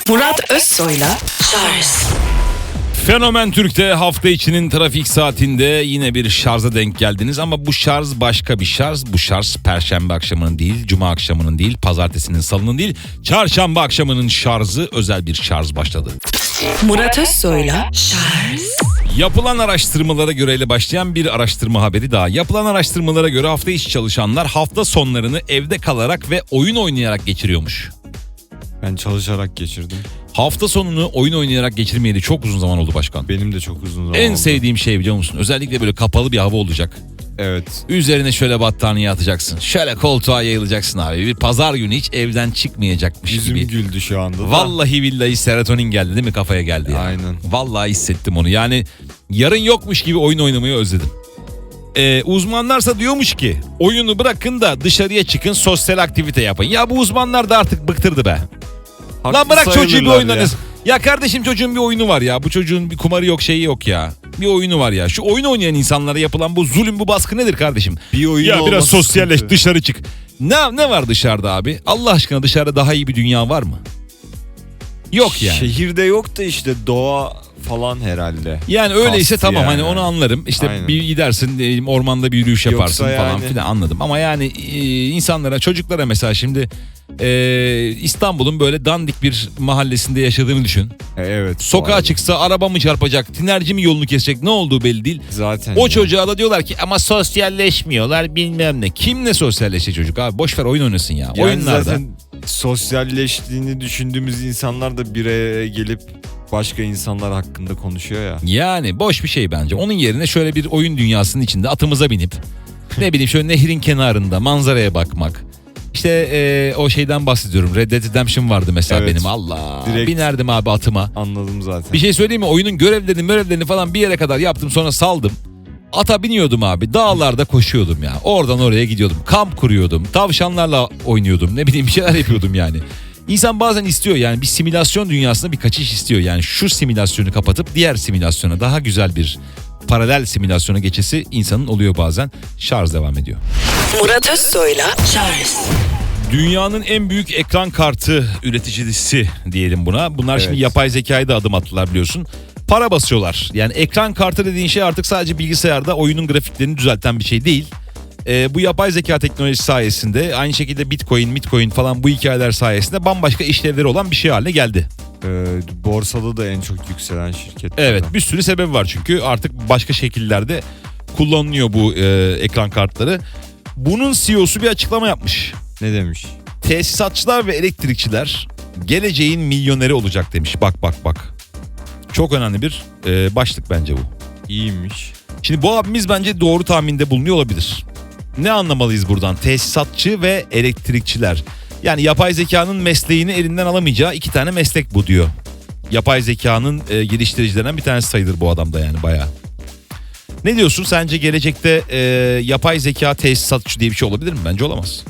Murat Özsoy'la Şarj. Fenomen Türk'te hafta içinin trafik saatinde yine bir şarja denk geldiniz ama bu şarj başka bir şarj. Bu şarj Perşembe akşamının değil, Cuma akşamının değil, Pazartesinin, Salı'nın değil, Çarşamba akşamının şarjı, özel bir şarj başladı. Murat Özsoy'la Şarj. Yapılan araştırmalara göre ile başlayan bir araştırma haberi daha. Yapılan araştırmalara göre hafta içi çalışanlar hafta sonlarını evde kalarak ve oyun oynayarak geçiriyormuş. Ben çalışarak geçirdim. Hafta sonunu oyun oynayarak geçirmeyeli çok uzun zaman oldu başkan. Benim de çok uzun zaman En oldu. sevdiğim şey biliyor musun? Özellikle böyle kapalı bir hava olacak. Evet. Üzerine şöyle battaniye atacaksın. Şöyle koltuğa yayılacaksın abi. Bir pazar günü hiç evden çıkmayacakmış Yüzüm gibi. güldü şu anda da. Vallahi billahi serotonin geldi değil mi, kafaya geldi ya. Aynen. Vallahi hissettim onu. Yani yarın yokmuş gibi oyun oynamayı özledim. Uzmanlarsa diyormuş ki oyunu bırakın da dışarıya çıkın, sosyal aktivite yapın. Ya bu uzmanlar da artık bıktırdı be. Haklı Lan bırak çocuğu bir sayılırlar oynanız. Ya kardeşim, çocuğun bir oyunu var ya. Bu çocuğun bir kumarı yok, şeyi yok ya. Bir oyunu var ya. Şu oyun oynayan insanlara yapılan bu zulüm, bu baskı nedir kardeşim? Bir oyun ya biraz olması sosyalleş, sıkıntı. dışarı çık. Ne var dışarıda abi? Allah aşkına dışarıda daha iyi bir dünya var mı? Yok yani. Şehirde yok da işte doğa falan herhalde. Yani öyleyse Kastı tamam, yani. hani onu anlarım. İşte Aynen. bir gidersin, ormanda bir yürüyüş yaparsın Yoksa falan yani. filan, anladım. Ama yani insanlara, çocuklara mesela şimdi İstanbul'un böyle dandik bir mahallesinde yaşadığını düşün. Evet. Sokağa çıksa araba mı çarpacak, tinerci mi yolunu kesecek, ne olduğu belli değil. Zaten. O ya. çocuğa da diyorlar ki ama sosyalleşmiyorlar bilmem ne. Kimle sosyalleşecek çocuk abi? Boş ver, oyun oynasın ya. Yani Oyunlarda. zaten sosyalleştiğini düşündüğümüz insanlar da bir araya gelip başka insanlar hakkında konuşuyor ya. Yani boş bir şey bence. Onun yerine şöyle bir oyun dünyasının içinde atımıza binip ne bileyim şöyle nehrin kenarında manzaraya bakmak. İşte o şeyden bahsediyorum. Red Dead Redemption vardı mesela Evet. benim. Allah. Direkt- Binerdim abi atıma. Anladım zaten. Bir şey söyleyeyim mi? Oyunun görevlerini falan bir yere kadar yaptım, sonra saldım. Ata biniyordum abi. Dağlarda koşuyordum ya. Oradan oraya gidiyordum. Kamp kuruyordum. Tavşanlarla oynuyordum. Ne bileyim bir şeyler yapıyordum yani. İnsan bazen istiyor yani, bir simülasyon dünyasına bir kaçış istiyor. Yani şu simülasyonu kapatıp diğer simülasyona, daha güzel bir paralel simülasyona geçesi insanın oluyor bazen. Şarj devam ediyor. Murat Özsoy'la Şarj. Dünyanın en büyük ekran kartı üreticisi diyelim buna. Bunlar şimdi Evet. yapay zekaya da adım attılar biliyorsun. Para basıyorlar. Yani ekran kartı dediğin şey artık sadece bilgisayarda oyunun grafiklerini düzelten bir şey değil. Bu yapay zeka teknolojisi sayesinde, aynı şekilde Bitcoin falan bu hikayeler sayesinde bambaşka işlevleri olan bir şey haline geldi. Borsada da en çok yükselen şirket. Evet, bir sürü sebebi var çünkü artık başka şekillerde kullanılıyor bu ekran kartları. Bunun CEO'su bir açıklama yapmış. Ne demiş? Tesisatçılar ve elektrikçiler geleceğin milyoneri olacak demiş. Bak. Çok önemli bir başlık bence bu. İyiymiş. Şimdi bu abimiz bence doğru tahminde bulunuyor olabilir. Ne anlamalıyız buradan? Tesisatçı ve elektrikçiler. Yani yapay zekanın mesleğini elinden alamayacağı iki tane meslek bu diyor. Yapay zekanın geliştiricilerinden bir tanesi sayılır bu adam da yani bayağı. Ne diyorsun? Sence gelecekte yapay zeka tesisatçı diye bir şey olabilir mi? Bence olamaz.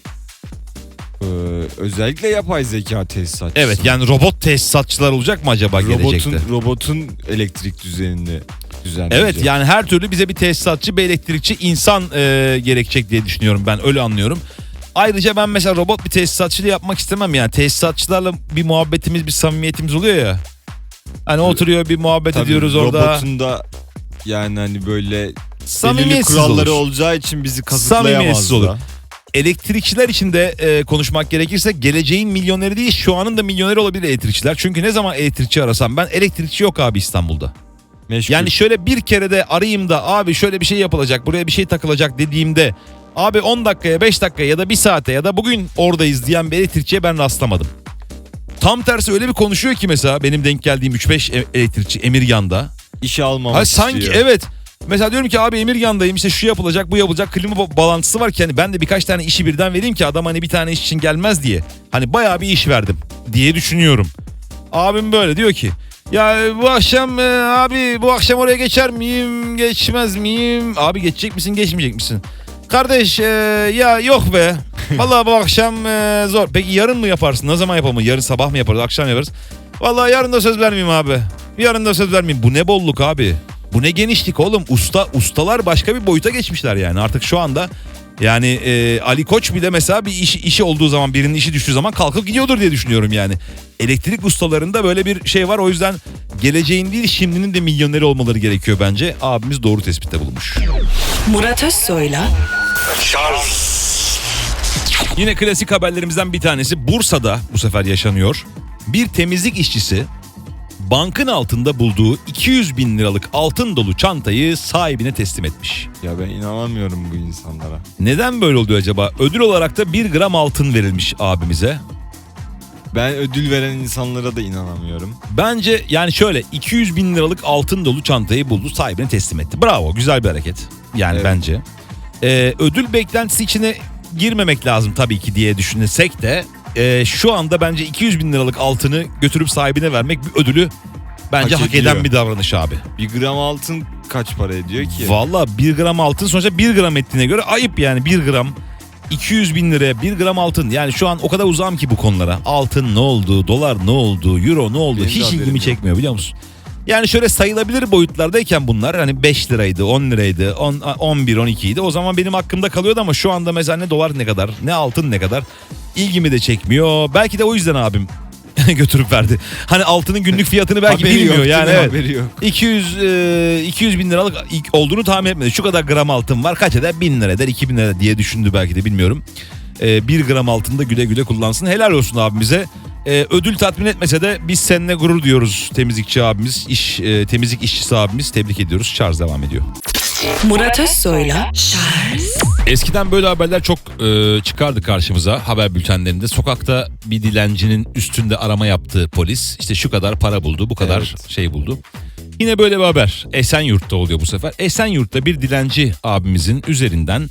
Özellikle yapay zeka tesisatçısı. Evet, yani robot tesisatçılar olacak mı acaba gelecekte? Robotun elektrik düzenini düzenleyecek. Evet, yani her türlü bize bir tesisatçı, bir elektrikçi insan gerekecek diye düşünüyorum, ben öyle anlıyorum. Ayrıca ben mesela robot bir tesisatçıyla yapmak istemem yani. Tesisatçılarla bir muhabbetimiz, bir samimiyetimiz oluyor ya. Hani oturuyor bir muhabbet Tabii ediyoruz orada. Robotun da yani hani böyle belirli Samimiyetsiz kuralları olur. olacağı için bizi kazıklayamaz Samimiyetsiz da. olur. Elektrikçiler için de konuşmak gerekirse geleceğin milyoneri değil, şu anın da milyoneri olabilir elektrikçiler. Çünkü ne zaman elektrikçi arasam ben, elektrikçi yok abi İstanbul'da. Meşgul. Yani şöyle bir kere de arayayım da abi şöyle bir şey yapılacak, buraya bir şey takılacak dediğimde abi 10 dakikaya, 5 dakikaya ya da 1 saate ya da bugün oradayız diyen bir elektrikçiye ben rastlamadım. Tam tersi öyle bir konuşuyor ki mesela benim denk geldiğim 3-5 elektrikçi Emirgan'da. işe almamak Ha, sanki istiyor. evet. Mesela diyorum ki abi Emirgan'dayım, işte şu yapılacak, bu yapılacak, klima bağlantısı var ki hani ben de birkaç tane işi birden vereyim ki adam hani bir tane iş için gelmez diye. Hani bayağı bir iş verdim diye düşünüyorum. Abim böyle diyor ki ya bu akşam abi bu akşam oraya geçer miyim, geçmez miyim? Abi geçecek misin, geçmeyecek misin? Kardeş ya yok be. Vallahi bu akşam zor. Peki yarın mı yaparsın? Ne zaman yapalım? Yarın sabah mı yaparız? Akşam yaparız? Vallahi yarın da söz vermeyeyim abi. Yarın da söz vermeyeyim. Bu ne bolluk abi? Bu ne genişlik oğlum? Ustalar başka bir boyuta geçmişler yani. Artık şu anda Yani Ali Koç bile mesela bir işi olduğu zaman, birinin işi düştüğü zaman kalkıp gidiyordur diye düşünüyorum yani. Elektrik ustalarında böyle bir şey var. O yüzden geleceğin değil şimdinin de milyoneri olmaları gerekiyor bence. Abimiz doğru tespitte bulunmuş. Murat Özsoy'la Yine klasik haberlerimizden bir tanesi Bursa'da bu sefer yaşanıyor. Bir temizlik işçisi bankın altında bulduğu 200 bin liralık altın dolu çantayı sahibine teslim etmiş. Ya ben inanamıyorum bu insanlara. Neden böyle oluyor acaba? Ödül olarak da 1 gram altın verilmiş abimize. Ben ödül veren insanlara da inanamıyorum. Bence yani şöyle 200 bin liralık altın dolu çantayı buldu, sahibine teslim etti. Bravo, güzel bir hareket. Yani Evet. bence. Ödül beklentisi içine girmemek lazım tabii ki diye düşünsek de şu anda bence 200 bin liralık altını götürüp sahibine vermek bir ödülü bence Hak hak eden ediyor. bir davranış abi. 1 gram altın kaç para ediyor ki? Valla 1 gram altın sonuçta 1 gram ettiğine göre ayıp yani 1 gram. 200 bin liraya 1 gram altın, yani şu an o kadar uzağım ki bu konulara. Altın ne oldu, dolar ne oldu, euro ne oldu, Benim de hiç haberim ilgimi yok. çekmiyor biliyor musun? Yani şöyle sayılabilir boyutlardayken bunlar hani 5 liraydı, 10 liraydı, 11, 12 idi. O zaman benim hakkımda kalıyordu ama şu anda mesela ne dolar ne kadar, ne altın ne kadar ilgimi de çekmiyor. Belki de o yüzden abim götürüp verdi. Hani altının günlük fiyatını belki Haberi bilmiyor yok, yani. değil mi? Evet. Haberi yok. 200 bin liralık olduğunu tahmin etmedi. Şu kadar gram altın var, kaç eder? 1000 lira eder, 2000 lira diye düşündü belki de, bilmiyorum. 1 gram altında güle güle kullansın. Helal olsun abimize. Ödül tatmin etmese de biz seninle gurur diyoruz temizlikçi abimiz, temizlik işçisi abimiz. Tebrik ediyoruz. Şarj devam ediyor. Murat Özsoy'la Eskiden böyle haberler çok çıkardı karşımıza haber bültenlerinde. Sokakta bir dilencinin üstünde arama yaptığı polis işte şu kadar para buldu, bu kadar Evet. şey buldu. Yine böyle bir haber Esenyurt'ta oluyor bu sefer. Esenyurt'ta bir dilenci abimizin üzerinden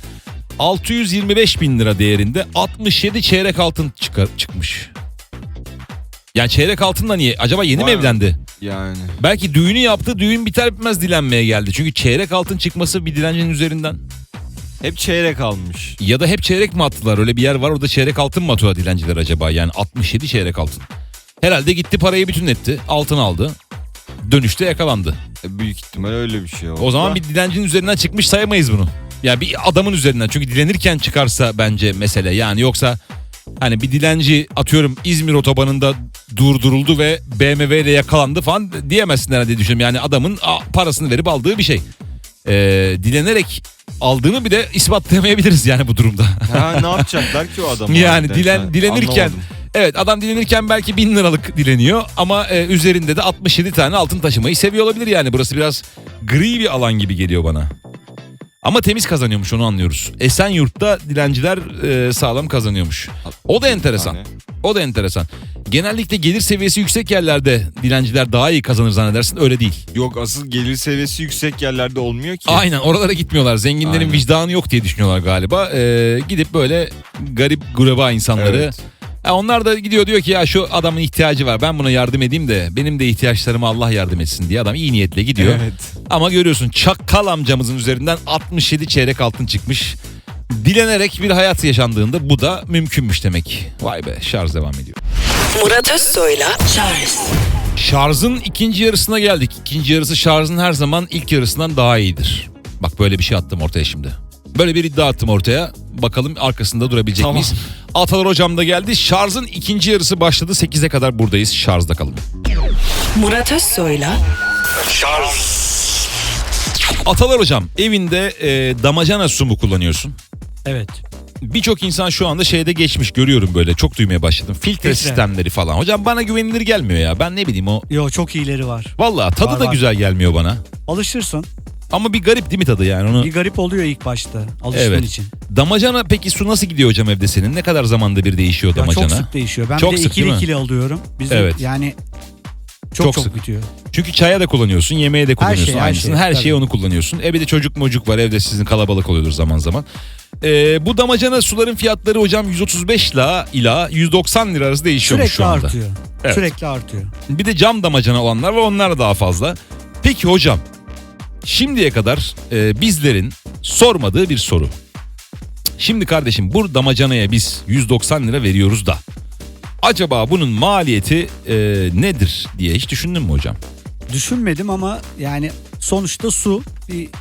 625 bin lira değerinde 67 çeyrek altın çıkmış. Yani çeyrek altınla niye? Acaba yeni mi Vay be. evlendi? Yani Belki düğünü yaptı, düğün biter bitmez dilenmeye geldi. Çünkü çeyrek altın çıkması bir dilencinin üzerinden. hep çeyrek almış. Ya da hep çeyrek mi attılar? Öyle bir yer var, orada çeyrek altın mı atıyor dilenciler acaba? Yani 67 çeyrek altın. Herhalde gitti parayı bütünletti, altın aldı. Dönüşte yakalandı. Büyük ihtimal öyle bir şey oldu. O zaman bir dilencinin üzerinden çıkmış sayamayız bunu. Yani bir adamın üzerinden, çünkü dilenirken çıkarsa bence mesele. Yani yoksa hani bir dilenci atıyorum İzmir otobanında durduruldu ve BMW ile yakalandı falan diyemezsin herhalde diye düşünüyorum. Yani adamın parasını verip aldığı bir şey. Dilenerek aldığını bir de ispatlayamayabiliriz yani bu durumda. Ha, ne yapacaklar ki o adamı? Yani harbiden? dilenirken Anlamadım. evet, adam dilenirken belki 1000 liralık dileniyor ama üzerinde de 67 tane altın taşımayı seviyor olabilir yani. Burası biraz gri bir alan gibi geliyor bana. Ama temiz kazanıyormuş, onu anlıyoruz. Esenyurt'ta dilenciler sağlam kazanıyormuş. O da enteresan. tane. O da enteresan. Genellikle gelir seviyesi yüksek yerlerde dilenciler daha iyi kazanır zannedersin, öyle değil. Yok, asıl gelir seviyesi yüksek yerlerde olmuyor ki. Aynen, oralara gitmiyorlar. Zenginlerin Aynen. vicdanı yok diye düşünüyorlar galiba. Gidip böyle garip gureba insanları. Evet. Onlar da gidiyor, diyor ki ya şu adamın ihtiyacı var, ben buna yardım edeyim de benim de ihtiyaçlarıma Allah yardım etsin diye adam iyi niyetle gidiyor. Evet. Ama görüyorsun çakkal amcamızın üzerinden 67 çeyrek altın çıkmış. Dilenerek bir hayat yaşandığında bu da mümkünmüş demek. Vay be, şarj devam ediyor. Murat Özsoy'la Şarjın ikinci yarısına geldik. İkinci yarısı şarjın her zaman ilk yarısından daha iyidir. Bak, böyle bir şey attım ortaya şimdi. Böyle bir iddia attım ortaya. Bakalım arkasında durabilecek Tamam. miyiz? Atalar hocam da geldi. Şarjın ikinci yarısı başladı. 8'e kadar buradayız. Şarjda kalın. Murat Özsoy'la Atalar hocam, evinde damacana su mu kullanıyorsun? Evet. Birçok insan şu anda şeyde geçmiş, görüyorum böyle, çok duymaya başladım. Filtre Filtre. sistemleri falan. Hocam bana güvenilir gelmiyor ya. Ben ne bileyim o. Yo, çok iyileri var. Vallahi tadı Var, da var. güzel gelmiyor bana. Alışırsın. Ama bir garip değil mi tadı yani onu? Bir garip oluyor ilk başta alıştığın Evet. için. Damacana peki su nasıl gidiyor hocam evde senin? Ne kadar zamanda bir değişiyor Ya damacana? çok sık değişiyor. Ben Çok bir de sık değil mi? ikili alıyorum. Bizim Evet. yani Çok çok sık. bitiyor. Çünkü çaya da kullanıyorsun, yemeğe de kullanıyorsun şey, her aynısını. şey, Her tabii. şeye onu kullanıyorsun. Bir de çocuk mocuk var evde, sizin kalabalık oluyordur zaman zaman. Bu damacana suların fiyatları hocam 135 ila 190 lira arası değişiyormuş Sürekli şu anda. artıyor. Evet. Sürekli artıyor. Bir de cam damacana olanlar ve onlar daha fazla. Peki hocam, şimdiye kadar bizlerin sormadığı bir soru. Şimdi kardeşim, bu damacanaya biz 190 lira veriyoruz da acaba bunun maliyeti nedir diye hiç düşündün mü hocam? Düşünmedim ama yani sonuçta su bir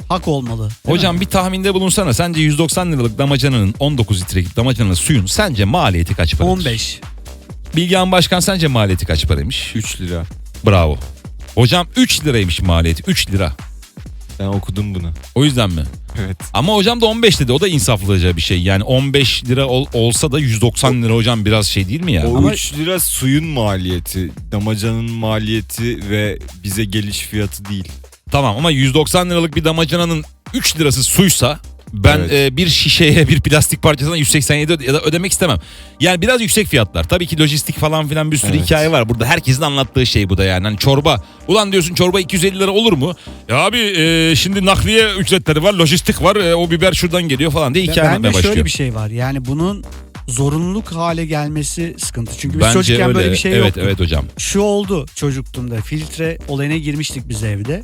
hak olmalı. Değil Hocam mi? bir tahminde bulunsana. Sence 190 liralık damacananın 19 litrelik damacananın suyun sence maliyeti kaç paradır? 15. Bilgehan Başkan sence maliyeti kaç paraymış? 3 lira. Bravo. Hocam 3 liraymış maliyeti. 3 lira. Ben okudum bunu. O yüzden mi? Evet. Ama hocam da 15 dedi. O da insaflıca bir şey. Yani 15 lira olsa da 190 lira hocam biraz şey değil mi ya? O Ama- 3 lira suyun maliyeti, damacanın maliyeti ve bize geliş fiyatı değil. Tamam ama 190 liralık bir damacananın 3 lirası suysa ben Evet. bir şişeye bir plastik parçasına 187 ya da ödemek istemem. Yani biraz yüksek fiyatlar. Tabii ki lojistik falan filan bir sürü Evet. hikaye var. Burada herkesin anlattığı şey bu da yani. Hani çorba. Ulan diyorsun çorba 250 lira olur mu? Ya abi şimdi nakliye ücretleri var, lojistik var. O biber şuradan geliyor falan diye hikaye Bende anlatmaya başlıyor. şöyle bir şey var. Yani bunun zorunluluk hale gelmesi sıkıntı. Çünkü biz Bence çocukken öyle. böyle bir şey evet, yoktu. Evet hocam. Şu oldu çocukluğumda. Filtre olayına girmiştik biz evde.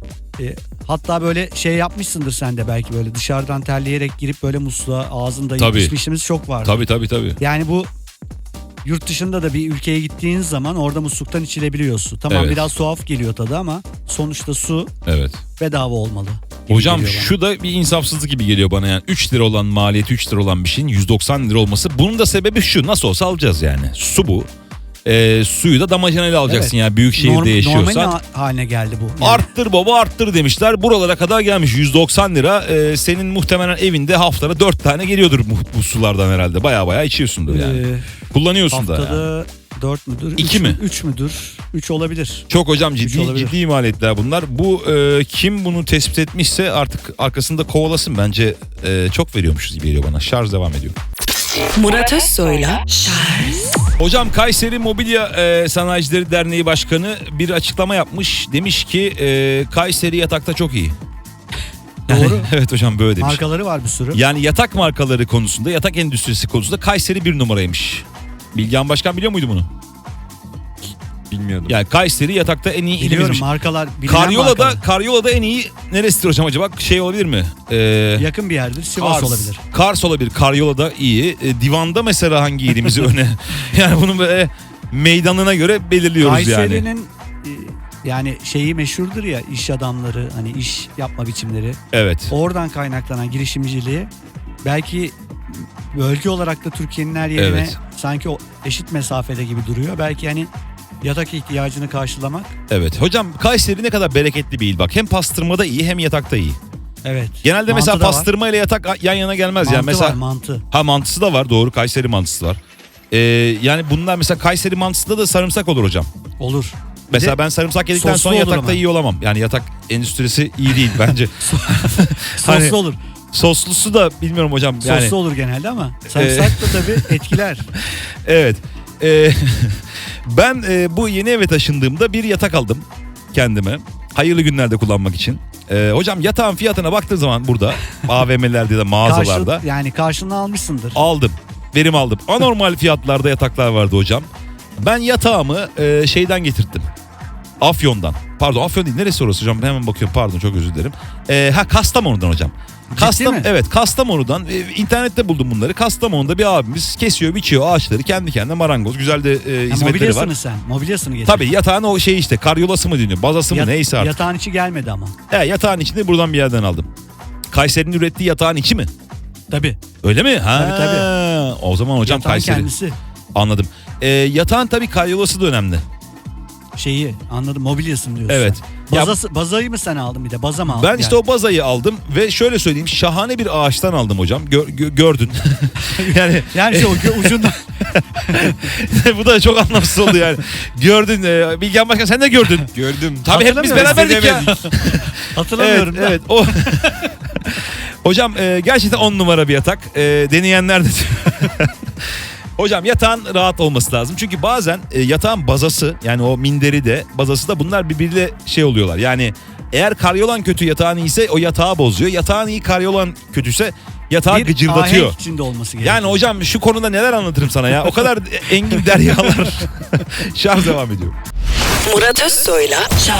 Hatta böyle şey yapmışsındır sen de belki, böyle dışarıdan terleyerek girip böyle musluğa ağzında Tabii. içmişimiz çok vardı. Tabii. Yani bu yurt dışında da bir ülkeye gittiğin zaman orada musluktan içilebiliyor su. Tamam, Evet. biraz tuhaf geliyor tadı ama sonuçta su Evet. bedava olmalı gibi Hocam geliyor bana. şu da bir insafsızlık gibi geliyor bana yani. 3 lira olan maliyeti 3 lira olan bir şeyin 190 lira olması. Bunun da sebebi şu: nasıl olsa alacağız yani. Su bu. Suyu da damacanayla alacaksın Evet. yani büyük şehirde yaşıyorsan. Normal haline geldi bu. Yani Arttır baba arttır demişler. Buralara kadar gelmiş 190 lira. Senin muhtemelen evinde haftada 4 tane geliyordur bu sulardan herhalde. Baya içiyorsundur yani. Kullanıyorsun da. Yani. haftada 4 müdür? 2 mi? 3 müdür? 3 olabilir. Çok hocam Üç olabilir. ciddi maliyetler bunlar. Bu kim bunu tespit etmişse artık arkasında kovalasın. Bence çok veriyormuşuz gibi geliyor bana. Şarj devam ediyor. Murat Özsoy'la Hocam Kayseri Mobilya Sanayicileri Derneği Başkanı bir açıklama yapmış. Demiş ki Kayseri yatakta çok iyi. Doğru. Evet hocam böyle demiş. Markaları var bir sürü. Yani yatak markaları konusunda, yatak endüstrisi konusunda Kayseri bir numaraymış. Bilgehan Başkan biliyor muydu bunu? Bilmiyordum. Yani Kayseri yatakta en iyi Biliyorum, ilimizmiş. markalar. bilinen markalar. Karyola'da en iyi neresidir hocam acaba? Şey olabilir mi? Yakın bir yerdir. Sivas olabilir. Kars olabilir. Karyola'da iyi. Divanda mesela hangi ilimizi öne? Yani bunu böyle meydanına göre belirliyoruz yani. Kayseri'nin yani şeyi meşhurdur ya, iş adamları, hani iş yapma biçimleri. Evet. Oradan kaynaklanan girişimciliği belki bölge olarak da Türkiye'nin her yerine Evet. sanki o eşit mesafede gibi duruyor. Belki hani yatak ihtiyacını karşılamak. Evet. Hocam Kayseri ne kadar bereketli bir il bak. Hem pastırmada iyi hem yatakta iyi. Evet. Genelde Mantı mesela da var. pastırma ile yatak yan yana gelmez Mantı yani. Mesela var, mantı. mantısı da var, doğru. Kayseri mantısı var. Yani bunlar mesela Kayseri mantısında da sarımsak olur hocam. Olur. Mesela de ben sarımsak yedikten soslu sonra olur yatakta ama. iyi olamam. Yani yatak endüstrisi iyi değil bence. Soslu Hani- olur. Soslusu da bilmiyorum hocam. Yani Soslu olur genelde ama sarımsak da tabii etkiler. evet. Ben bu yeni eve taşındığımda bir yatak aldım kendime. Hayırlı günlerde kullanmak için. Hocam yatağın fiyatına baktığın zaman burada AVM'lerde ya da mağazalarda Yani karşılığını almışsındır. aldım. Verim aldım. Anormal fiyatlarda yataklar vardı hocam. Ben yatağımı şeyden getirttim. Afyon'dan. Pardon, Afyon değil. Neresi orası hocam? Hemen bakıyorum. Pardon, çok özür dilerim. Kastamonu'dan hocam. mi? Evet, Kastamonu'dan. İnternette buldum bunları. Kastamonu'da bir abimiz kesiyor, biçiyor ağaçları. Kendi kendine marangoz. Güzel de hizmetleri var. Mobilyasını sen. Mobilyasını getir. Tabii yatağın o şey işte karyolası mı deniyor, bazası mı neyse artık. Yatağın içi gelmedi ama. Yatağın içinde buradan bir yerden aldım. Kayseri'nin ürettiği yatağın içi mi? Tabii. Öyle mi? Ha, Tabii. O zaman hocam Yatağın Kayseri. kendisi. Anladım. Yatağın tabii karyolası da önemli. Şeyi anladım, mobilyasını diyorsun. Evet. Ya- Bazayı mı sen aldın bir de? Baza mı aldın? Ben işte o bazayı aldım ve şöyle söyleyeyim, şahane bir ağaçtan aldım hocam. Gördün. yani Yani şey, o ucundan. bu da çok anlamsız oldu yani. Gördün. Bilgehan Başkan sen de gördün. Gördüm. Tabii hepimiz Hatırlamıyorum. beraberdik ya. Hatırlamıyorum da. Evet. O hocam gerçekten 10 numara bir yatak. Deneyenler de hocam yatağın rahat olması lazım. Çünkü bazen yatağın bazası, yani o minderi de bazası da, bunlar birbiriyle şey oluyorlar. Yani eğer karyolan kötü yatağın iyiyse o yatağı bozuyor. Yatağın iyi karyolan kötüyse yatağı Bir gıcırdatıyor. ahenk içinde olması gerekiyor. Yani hocam şu konuda neler anlatırım sana ya. O kadar engin deryalar. Şarj devam ediyor. Murat Özsoy'la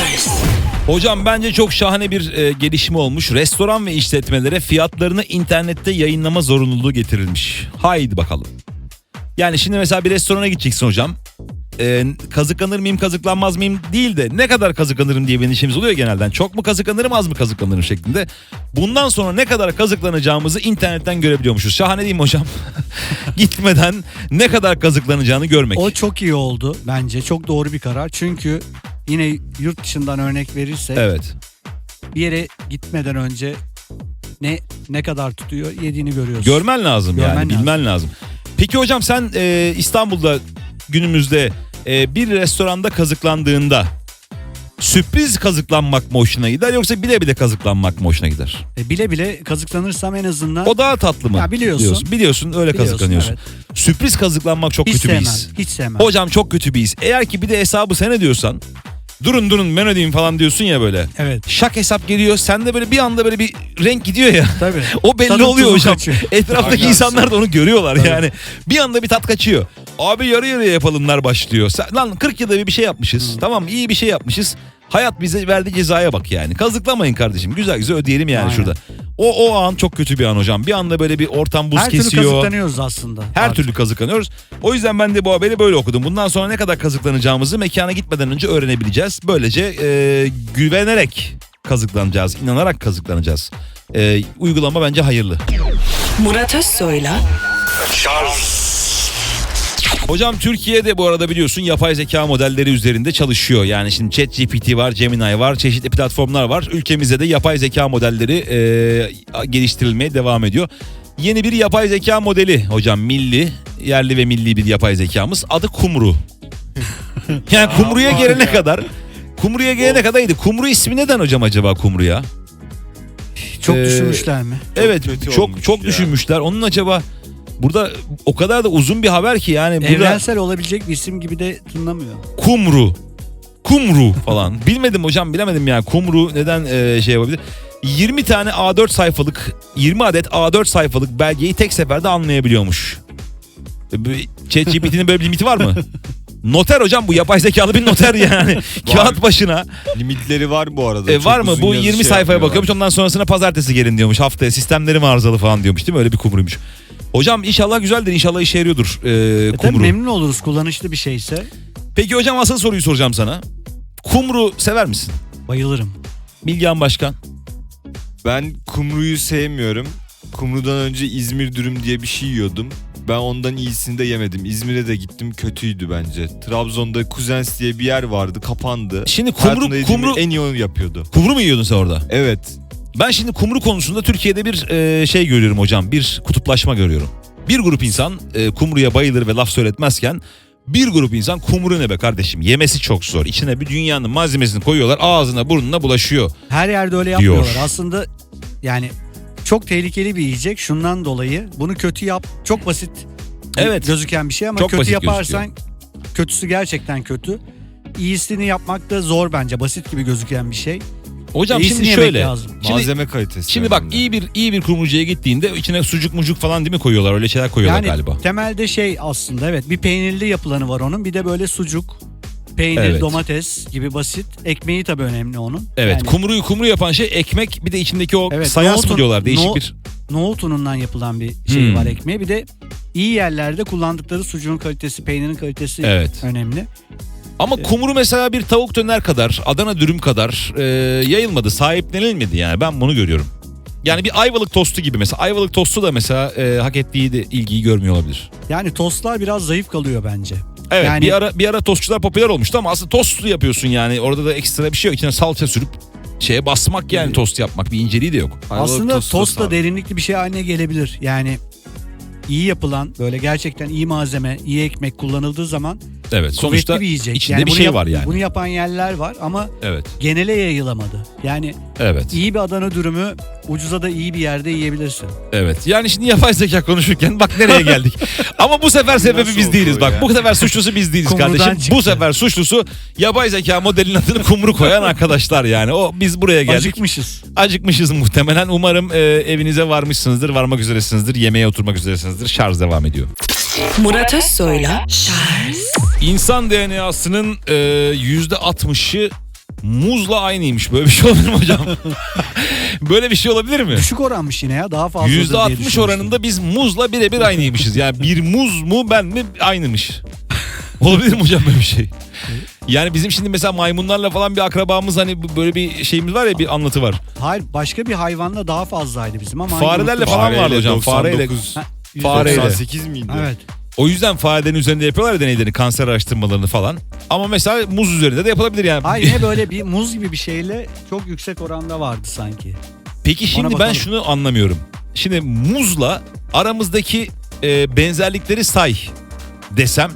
Hocam bence çok şahane bir gelişme olmuş. Restoran ve işletmelere fiyatlarını internette yayınlama zorunluluğu getirilmiş. Haydi bakalım. Yani şimdi mesela bir restorana gideceksin hocam. kazıklanır mıyım kazıklanmaz mıyım değil de ne kadar kazıklanırım diye bir endişemiz oluyor genelden. Çok mu kazıklanırım az mı kazıklanırım şeklinde. Bundan sonra ne kadar kazıklanacağımızı internetten görebiliyormuşuz. Şahane değil mi hocam? Gitmeden ne kadar kazıklanacağını görmek. O çok iyi oldu bence. Çok doğru bir karar. Çünkü yine yurt dışından örnek verirsek Evet. bir yere gitmeden önce ne kadar tutuyor yediğini görüyorsun. Görmen lazım Görmen yani lazım. bilmen lazım. Peki hocam sen İstanbul'da günümüzde bir restoranda kazıklandığında sürpriz kazıklanmak mı hoşuna gider yoksa bile bile kazıklanmak mı hoşuna gider? Bile bile kazıklanırsam en azından O daha tatlı mı? Ya biliyorsun. Biliyorsun öyle kazıklanıyorsun. evet. Sürpriz kazıklanmak çok Hiç kötü bir sevmem. his. Hiç sevmem. Hocam çok kötü bir his. Eğer ki bir de hesabı sen ödüyorsan durun ben ödeyeyim falan diyorsun ya böyle. Evet. Şak hesap geliyor. Sende böyle bir anda böyle bir renk gidiyor ya. Tabii. O belli Tadım oluyor tuzu hocam. kaçıyor. Etraftaki Aynen. insanlar da onu görüyorlar Tabii. yani. Bir anda bir tat kaçıyor. Abi yarı yarıya yapalımlar başlıyor. Lan 40 yılda bir şey yapmışız. Tamam iyi bir şey yapmışız. Hayat bize verdiği cezaya bak yani. Kazıklamayın kardeşim. Güzel güzel ödeyelim yani Aynen. şurada. O an çok kötü bir an hocam. Bir anda böyle bir ortam buz Her türlü kesiyor. kazıklanıyoruz aslında. Her Artık. türlü kazıklanıyoruz. O yüzden ben de bu haberi böyle okudum. Bundan sonra ne kadar kazıklanacağımızı mekana gitmeden önce öğrenebileceğiz. Böylece güvenerek kazıklanacağız. İnanarak kazıklanacağız. Uygulama bence hayırlı. Murat Özsoy'la Hocam Türkiye'de bu arada biliyorsun yapay zeka modelleri üzerinde çalışıyor. Yani şimdi ChatGPT var, Gemini var, çeşitli platformlar var. Ülkemizde de yapay zeka modelleri geliştirilmeye devam ediyor. Yeni bir yapay zeka modeli hocam yerli ve milli bir yapay zekamız. Adı Kumru. Yani Kumru'ya gelene kadar Kumru ismi neden hocam acaba Kumru'ya? Çok Ee, düşünmüşler mi? Evet kötü çok olmuş çok ya. düşünmüşler. Onun acaba burada o kadar da uzun bir haber ki yani burada Evrensel olabilecek bir isim gibi de tınlamıyor. Kumru falan. Bilmedim hocam bilemedim yani Kumru neden şey yapabilir? 20 adet A4 sayfalık belgeyi tek seferde anlayabiliyormuş. ChatGPT'nin böyle bir limiti var mı? Noter hocam bu yapay zekalı bir noter yani. Kağıt başına. Limitleri var bu arada. Çok Var mı? uzun Bu yazı 20 şey sayfaya yapmıyorlar. bakıyormuş. Ondan sonrasına pazartesi gelin diyormuş. Haftaya sistemlerim arızalı falan diyormuş değil mi? Öyle bir kumruymuş. Hocam inşallah güzeldir. İnşallah işe yarıyordur Tabii kumru. memnun oluruz kullanışlı bir şeyse. Peki hocam asıl soruyu soracağım sana. Kumru sever misin? Bayılırım. Bilgehan Başkan. Ben kumruyu sevmiyorum. Kumrudan önce İzmir dürüm diye bir şey yiyordum. Ben ondan iyisini de yemedim. İzmir'e de gittim, kötüydü bence. Trabzon'da Kuzens diye bir yer vardı, kapandı. Şimdi Hayatımda yediğim kumru en iyi onu yapıyordu. kumru mu yiyordun sen orada? Evet. Ben şimdi kumru konusunda Türkiye'de bir şey görüyorum hocam. Bir kutuplaşma görüyorum. Bir grup insan kumruya bayılır ve laf söyletmezken bir grup insan kumru ne be kardeşim yemesi çok zor. İçine bir dünyanın malzemesini koyuyorlar ağzına burnuna bulaşıyor. Her yerde öyle yapmıyorlar. Aslında yani çok tehlikeli bir yiyecek. Şundan dolayı bunu kötü yap. Çok basit Evet. gözüken bir şey ama Çok kötü basit yaparsan kötüsü gerçekten kötü. İyisini yapmak da zor bence. Basit gibi gözüken bir şey. Hocam İyisini şimdi yemek şöyle. lazım. Malzeme kalitesi. Şimdi bak önemli. iyi bir kumrucuya gittiğinde içine sucuk mucuk falan değil mi koyuyorlar? Öyle şeyler koyuyorlar Yani galiba. temelde şey aslında evet bir peynirli yapılanı var onun. Bir de böyle sucuk, peynir, Evet. domates gibi basit. Ekmeği tabii önemli onun. Evet Yani kumru yapan şey ekmek bir de içindeki o Evet, sayans mı nohutun- diyorlar değişik no- bir. nohut unundan yapılan bir şey Hmm. var ekmeği. Bir de iyi yerlerde kullandıkları sucuğun kalitesi, peynirin kalitesi Evet. önemli. Ama kumru mesela bir tavuk döner kadar, Adana dürüm kadar yayılmadı, sahiplenilmedi yani ben bunu görüyorum. Yani bir Ayvalık tostu gibi mesela. Ayvalık tostu da mesela hak ettiği de ilgiyi görmüyor olabilir. Yani tostlar biraz zayıf kalıyor bence. Evet Yani- bir ara tostçular popüler olmuştu ama aslında tostu yapıyorsun yani. Orada da ekstra bir şey yok. İçine salça sürüp şeye basmak yani tost yapmak bir inceliği de yok. Ayvalık Aslında tostu tost da sağ- derinlikli bir şey haline gelebilir. Yani iyi yapılan böyle gerçekten iyi malzeme, iyi ekmek kullanıldığı zaman Evet sonuçta kuvvetli bir yiyecek. içinde bir bunu şey var yani. Bunu yapan yerler var ama Evet. genele yayılamadı. Yani Evet. iyi bir Adana dürümü ucuza da iyi bir yerde yiyebilirsin. Evet. Yani şimdi yapay zeka konuşurken bak nereye geldik. Ama bu sefer sebebi Nasıl biz oldu değiliz. o Bak ya? bu sefer suçlusu biz değiliz Kumrudan kardeşim. çıktı. Bu sefer suçlusu yapay zeka modelinin adını kumru koyan arkadaşlar yani. Biz buraya geldik. Acıkmışız. Acıkmışız muhtemelen. Umarım evinize varmışsınızdır, varmak üzeresinizdir, yemeğe oturmak üzeresinizdir. Şarj devam ediyor. Murat Özsoy'la İnsan DNA'sının %60'ı muzla aynıymış. Böyle bir şey olabilir mi hocam? Böyle bir şey olabilir mi? Düşük oranmış yine ya daha fazladır diye %60 düşünmüştüm. oranında biz muzla birebir aynıymışız. Yani bir muz mu ben mi aynımış. Olabilir mi hocam böyle bir şey? Yani bizim şimdi mesela maymunlarla falan bir akrabamız hani böyle bir şeyimiz var ya, bir anlatı var. Hayır, başka bir hayvanla daha fazlaydı bizim ama Farelerle unuttum. falan vardı hocam. Fareyle. 99, Fareyle. 98 miydi? Evet. O yüzden farelerin üzerinde yapıyorlar ya deneylerini, kanser araştırmalarını falan. Ama mesela muz üzerinde de yapılabilir yani. Hayır, yine böyle bir muz gibi bir şeyle çok yüksek oranda vardı sanki. Peki şimdi ben bakalım. şunu anlamıyorum. Şimdi muzla aramızdaki benzerlikleri say desem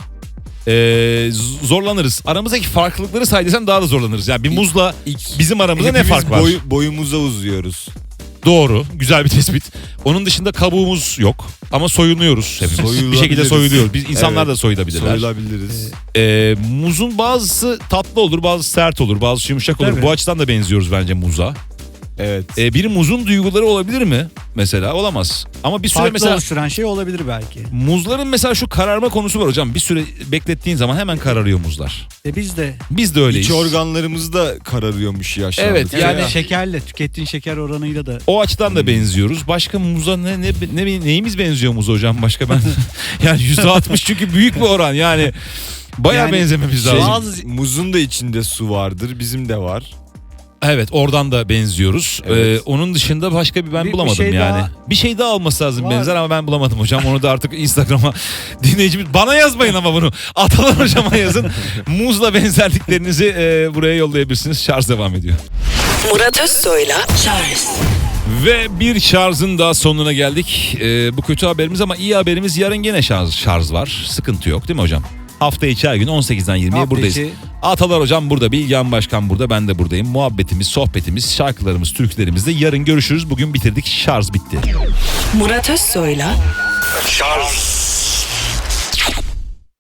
zorlanırız. Aramızdaki farklılıkları say desem daha da zorlanırız. Yani bir muzla bizim aramızda ne Hepimiz fark var? boyumuza uzuyoruz. Doğru. Güzel bir tespit. Onun dışında kabuğumuz yok. Ama soyunuyoruz hepimiz. Bir Soyulabiliriz. şekilde soyuluyoruz. Biz insanlar Evet. da soyulabilirler. Soyulabiliriz. Muzun bazısı tatlı olur, bazısı sert olur, bazısı yumuşak olur. Tabii. Bu açıdan da benziyoruz bence muza. Evet. Bir muzun duyguları olabilir mi? Mesela olamaz. Ama bir süre Farklı mesela oluşturan şey olabilir belki. muzların mesela şu kararma konusu var hocam. Bir süre beklettiğin zaman hemen kararıyor muzlar. Biz de Biz de öyleyiz. İç organlarımız da kararıyormuş yaşlandıkça. Evet, yani- yani şekerle, tükettiğin şeker oranıyla da O açıdan da benziyoruz. Başka muza neyimiz benziyor muza hocam başka ben? Yani %60 çünkü büyük bir oran yani. Bayağı Yani benzememiz Şey, lazım. bazı- muzun da içinde su vardır. Bizim de var. Evet, oradan da benziyoruz. Evet. Onun dışında başka bir ben Bir bulamadım şey yani. daha- Bir şey daha olması lazım Var. benzer ama ben bulamadım hocam. Onu da artık Instagram'a dinleyicimiz bana yazmayın ama bunu. Atalar hocama yazın. Muzla benzerliklerinizi buraya yollayabilirsiniz. Şarj devam ediyor. Murat Özsoy'la Charles Ve bir şarjın daha sonuna geldik. Bu kötü haberimiz ama iyi haberimiz, yarın gene şarj var. Sıkıntı yok değil mi hocam? Hafta içi her gün 18'den 20'ye Hafta buradayız. içi- Atalar hocam burada, Bilgehan Başkan burada, ben de buradayım. Muhabbetimiz, sohbetimiz, şarkılarımız, türkülerimizde yarın görüşürüz. Bugün bitirdik, şarj bitti. Murat Özsoy'la Charles